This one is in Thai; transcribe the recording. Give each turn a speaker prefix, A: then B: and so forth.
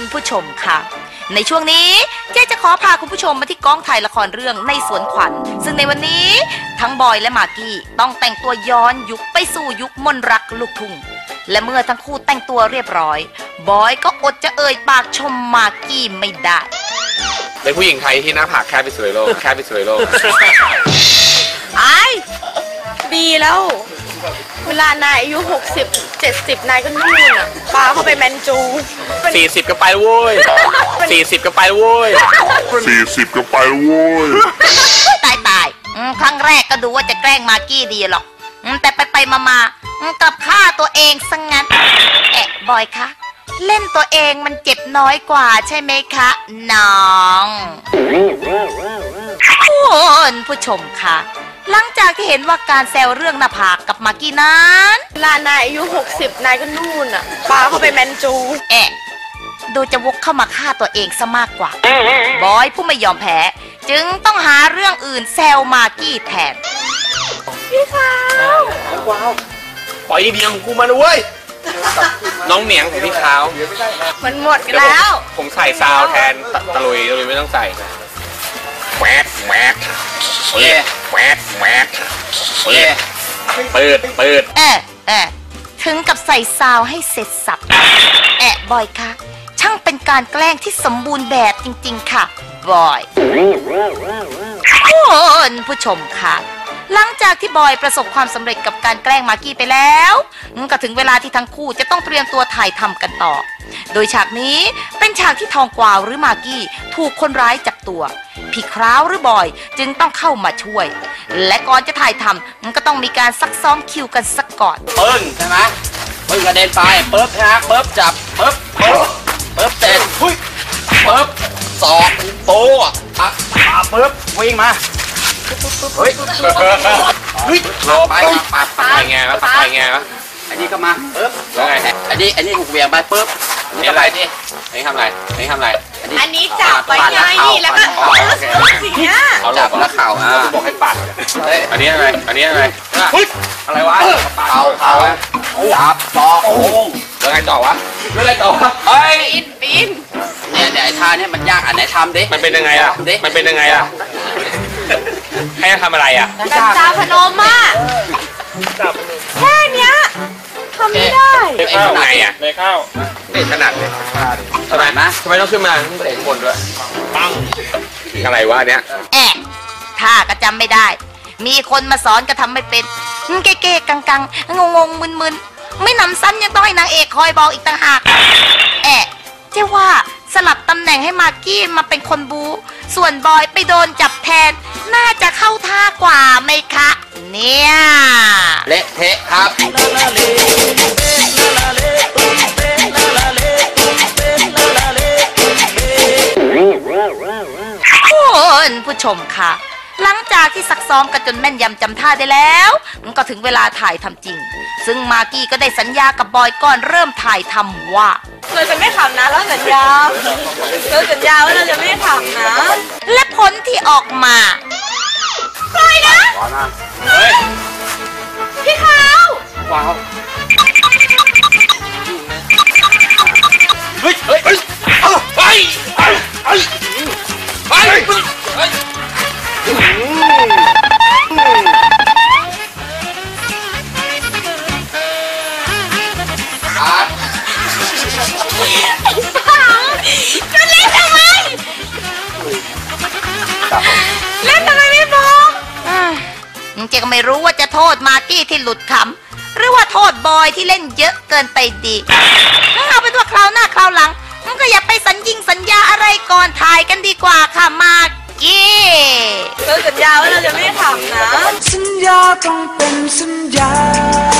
A: ผู้ชมค่ะในช่วงนี้เจ๊จะขอพาคุณผู้ชมมาที่กองถ่ายละครเรื่องในสวนขวัญซึ่งในวันนี้ทั้งบอยและมากกี้ต้องแต่งตัวย้อนยุคไปสู่ยุคมนต์รักลูกทุ่งและเมื่อทั้งคู่แต่งตัวเรียบร้อยบอยก็อดจะเอ่ยปากชมมากกี้ไม่ได้
B: เป็นผู้หญิงไทยที่หน้าผากแคบที่สุดในโลกแคบที่สุดในโลก
C: ไอ้ดีแล้วเวลานายอายุ60-70นายก็นู่นอ่ะปาเข้าไปแมนจู
B: 40ก็ไปแล้วเว้ย40ก็ไปแล้วเว้ย
D: 40ก็ไปแล้วเว้ย
A: ตายครั้งแรกก็ดูว่าจะแกล้งมากกี้ดีหรอกแต่ไปมากลับฆ่าตัวเองซะงั้นบอยคะเล่นตัวเองมันเจ็บน้อยกว่าใช่ไหมคะน้องคุณผู้ชมคะหลังจากที่เห็นว่าการแซวเรื่องหน้าผากกับมากกี้นั้น
C: เวลานายอายุ60นายก็นู่นอ่ะปาเข้าไปแมนจู
A: ดูจะวกเข้ามาฆ่าตัวเองซะมากกว่าบอยผู้ไม่ยอมแพ้จึงต้องหาเรื่องอื่นแซวมากกี้แทน
C: พี่ขาว
B: ว้าวปล่อยเดียงกูมาด้วยน้องเหนียงของพี่ขาว
C: มันหมดแล้ว
B: ผมใส่ซาวแทนตะลุยไม่ต้องใส่แหวกแหวกแหวกแหวกเปิด
A: ถึงกับใส่ซาวให้เสร็จสับบอยคะช่างเป็นการแกล้งที่สมบูรณ์แบบจริงๆค่ะบอยคุณผู้ชมค่ะหลังจากที่บอยประสบความสำเร็จกับการแกล้งมากกี้ไปแล้วก็ถึงเวลาที่ทั้งคู่จะต้องเตรียมตัวถ่ายทำกันต่อโดยฉากนี้เป็นฉากที่ทองกวาวหรือมากกี้ถูกคนร้ายจับตัวพี่คราวหรือบอยจึงต้องเข้ามาช่วยและก่อนจะถ่ายทำก็ต้องมีการซักซ้อมคิวกันสักก่อน
B: ปึ้งใช่ไหมปึ้งกระเด็นไปปึ๊บนะปึ๊บจับปึ๊บเสร็จปึ๊บสอกโต้ปึ๊บวิ่งมาเฮ้ยไปไงวะไปไงวะอันนี้ก็มาปึ๊บแล้วไงอันนี้ถูกเวียงไปปึ๊บนี่อะไรนี่อันนี้ทำอะไร
C: อันนี้จับไปไงแล้วก็สิ่งเนี้ย
B: จับแล้วเข่าบอกให้ปัดอันนี้อะไรอะไรวะเข่าจับต่อโอ้แล้วไงต่อวะเฮ้ย
C: ปีน
B: เนี่ยไอ้ท่าเนี่ยมันยากอันไหนทำดิมันเป็นยังไงล่ะให้ทำอะไรอ่ะ
C: จับตาพนมอ่ะแค่เนี้ยทำไม่ได้
B: ทำไงอ่ะเลยเข้าขนาดเลยทำไมต้องขึ้นมาเตะบนด้วยปังอะไรวะเนี้ย
A: ท่าก็จำไม่ได้มีคนมาสอนก็ทำไม่เป็นเก๊ๆกังๆงงมึนไม่นำซ้ำยังต้องให้นางเอกคอยบอกอีกต่างหากเจ้าว่าสลับตำแหน่งให้มากกี้มาเป็นคนบูส่วนบอยไปโดนจับแทนน่าจะเข้าท่ากว่าไหมคะเนี่ย
B: เละเทะครับ
A: คุณผู้ชมค่ะหลังจากที่ซักซ้อมกันจนแม่นยำจำท่าได้แล้วก็ถึงเวลาถ่ายทำจริงซึ่งมากกี้ก็ได้สัญญากับบอยก่อนเริ่มถ่ายทำว่า
C: เราจะไม่ทำนะแล้วสัญญาว่าเราจะไม่ทำนะ
A: และผลที่ออกมา
C: ปล่อยนะพี่ขาว
B: ว้าว
C: จะเล่นทำไมไม่บอก
A: เจ๊ก็ไม่รู้ว่าจะโทษมากกี้ที่หลุดขำหรือว่าโทษบอยที่เล่นเยอะเกินไปดีเอาเป็นว่าคราวหน้าคราวหลังก็อย่าไปสัญญาอะไรก่อนถ่ายกันดีกว่าค่ะมากกี้
C: เราสัญญาว่าเราจะไม่ทำนะ
E: สัญญาต้องเป็นสัญญา